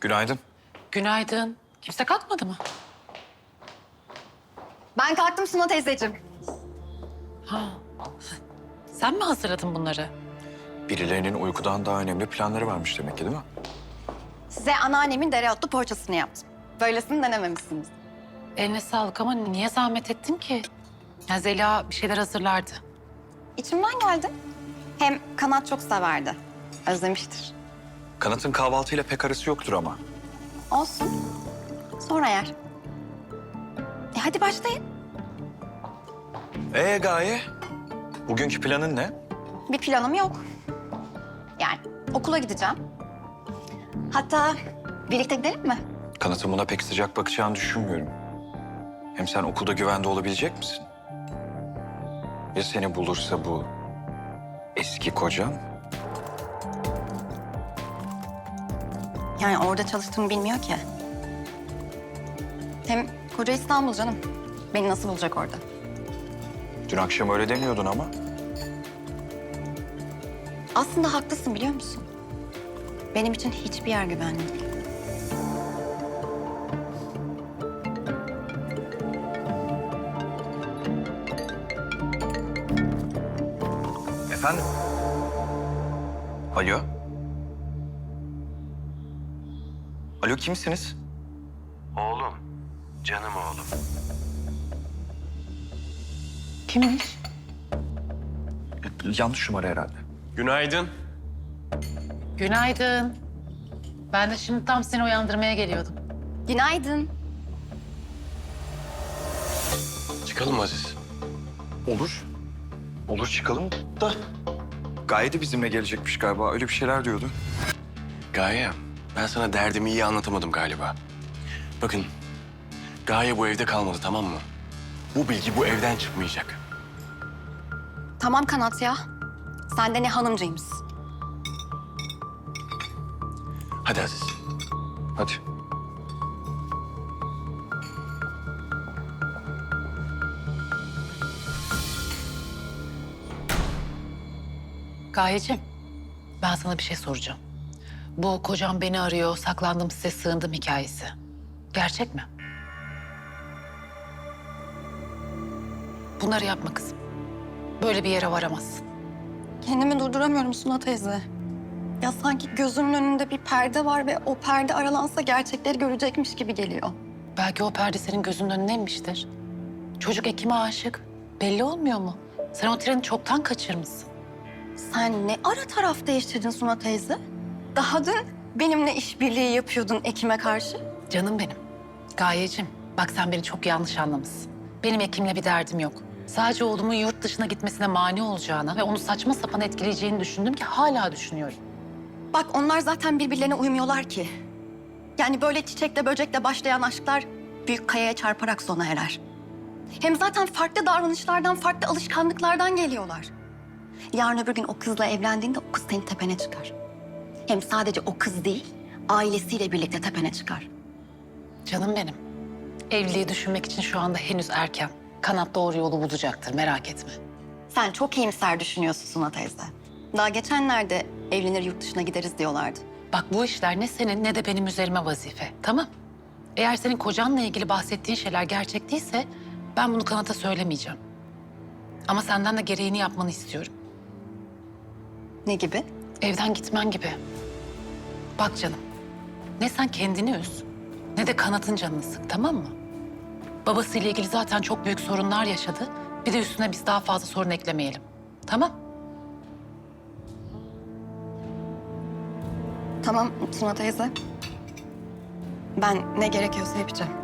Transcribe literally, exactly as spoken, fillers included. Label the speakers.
Speaker 1: Günaydın.
Speaker 2: Günaydın. Kimse kalkmadı mı?
Speaker 3: Ben kalktım Suna teyzeciğim.
Speaker 2: Ha. Sen mi hazırladın bunları?
Speaker 1: Birilerinin uykudan daha önemli planları varmış demek ki, değil mi?
Speaker 3: Size anneannemin dereotlu poğaçasını yaptım. Böylesini denememişsiniz.
Speaker 2: Eline sağlık ama niye zahmet ettin ki? Ya Zeliha bir şeyler hazırlardı.
Speaker 3: İçimden geldi. Hem Kanat çok severdi. Özlemiştir.
Speaker 1: Kanat'ın kahvaltıyla pek arası yoktur ama.
Speaker 3: Olsun. Sonra yer. E hadi başlayın.
Speaker 1: Ee Gaye, bugünkü planın ne?
Speaker 3: Bir planım yok. Yani okula gideceğim. Hatta birlikte gidelim mi?
Speaker 1: Kanat'ın buna pek sıcak bakacağını düşünmüyorum. Hem sen okulda güvende olabilecek misin? Ya seni bulursa bu eski kocan?
Speaker 3: Yani orada çalıştığımı bilmiyor ki. Hem koca İstanbul canım. Beni nasıl bulacak orada?
Speaker 1: Dün akşam öyle demiyordun ama.
Speaker 3: Aslında haklısın biliyor musun? Benim için hiçbir yer güvenli değil.
Speaker 1: Efendim? Alo? Alo, kimsiniz?
Speaker 4: Oğlum, canım oğlum.
Speaker 2: Kimmiş?
Speaker 1: Yanlış numara herhalde.
Speaker 4: Günaydın.
Speaker 2: Günaydın. Ben de şimdi tam seni uyandırmaya geliyordum.
Speaker 3: Günaydın.
Speaker 4: Çıkalım Aziz.
Speaker 1: Olur. Olur, çıkalım da. Gaye de bizimle gelecekmiş galiba. Öyle bir şeyler diyordu.
Speaker 4: Gaye, ben sana derdimi iyi anlatamadım galiba. Bakın, Gaye bu evde kalmadı, tamam mı? Bu bilgi bu evden çıkmayacak.
Speaker 3: Tamam Kanat ya. Sen de ne hanımcıymışsın.
Speaker 4: Hadi Aziz.
Speaker 1: Hadi.
Speaker 2: Gayeciğim, ben sana bir şey soracağım. Bu kocam beni arıyor, saklandım size sığındım hikayesi. Gerçek mi? Bunları yapma kızım. Böyle bir yere varamazsın.
Speaker 3: Kendimi durduramıyorum Suna teyze. Ya sanki gözümün önünde bir perde var ve o perde aralansa gerçekleri görecekmiş gibi geliyor.
Speaker 2: Belki o perde senin gözünün önüne inmiştir. Çocuk Ekim'e aşık. Belli olmuyor mu? Sen o treni çoktan kaçırmışsın.
Speaker 3: Sen ne ara taraf değiştirdin Suna teyze? Daha dün benimle işbirliği yapıyordun Ekim'e karşı.
Speaker 2: Canım benim. Gayecim, bak sen beni çok yanlış anlamışsın. Benim Ekim'le bir derdim yok. Sadece oğlumun yurt dışına gitmesine mani olacağına ve onu saçma sapan etkileyeceğini düşündüm ki hala düşünüyorum.
Speaker 3: Bak onlar zaten birbirlerine uymuyorlar ki. Yani böyle çiçekle böcekle başlayan aşklar büyük kayaya çarparak sona erer. Hem zaten farklı davranışlardan, farklı alışkanlıklardan geliyorlar. Yarın öbür gün o kızla evlendiğinde o kız senin tepene çıkar. Hem sadece o kız değil, ailesiyle birlikte tepene çıkar.
Speaker 2: Canım benim. Evliliği düşünmek için şu anda henüz erken. Kanat doğru yolu bulacaktır, merak etme.
Speaker 3: Sen çok iyimser düşünüyorsun Suna teyze. Daha geçenlerde evlenir yurt dışına gideriz diyorlardı.
Speaker 2: Bak bu işler ne senin ne de benim üzerime vazife, tamam? Eğer senin kocanla ilgili bahsettiğin şeyler gerçek değilse ben bunu Kanat'a söylemeyeceğim. Ama senden de gereğini yapmanı istiyorum.
Speaker 3: Ne gibi?
Speaker 2: Evden gitmen gibi. Bak canım, ne sen kendini üz ne de Kanat'ın canını sık, tamam mı? Babasıyla ilgili zaten çok büyük sorunlar yaşadı. Bir de üstüne biz daha fazla sorun eklemeyelim. Tamam?
Speaker 3: Tamam Suna teyze. Ben ne gerekiyorsa yapacağım.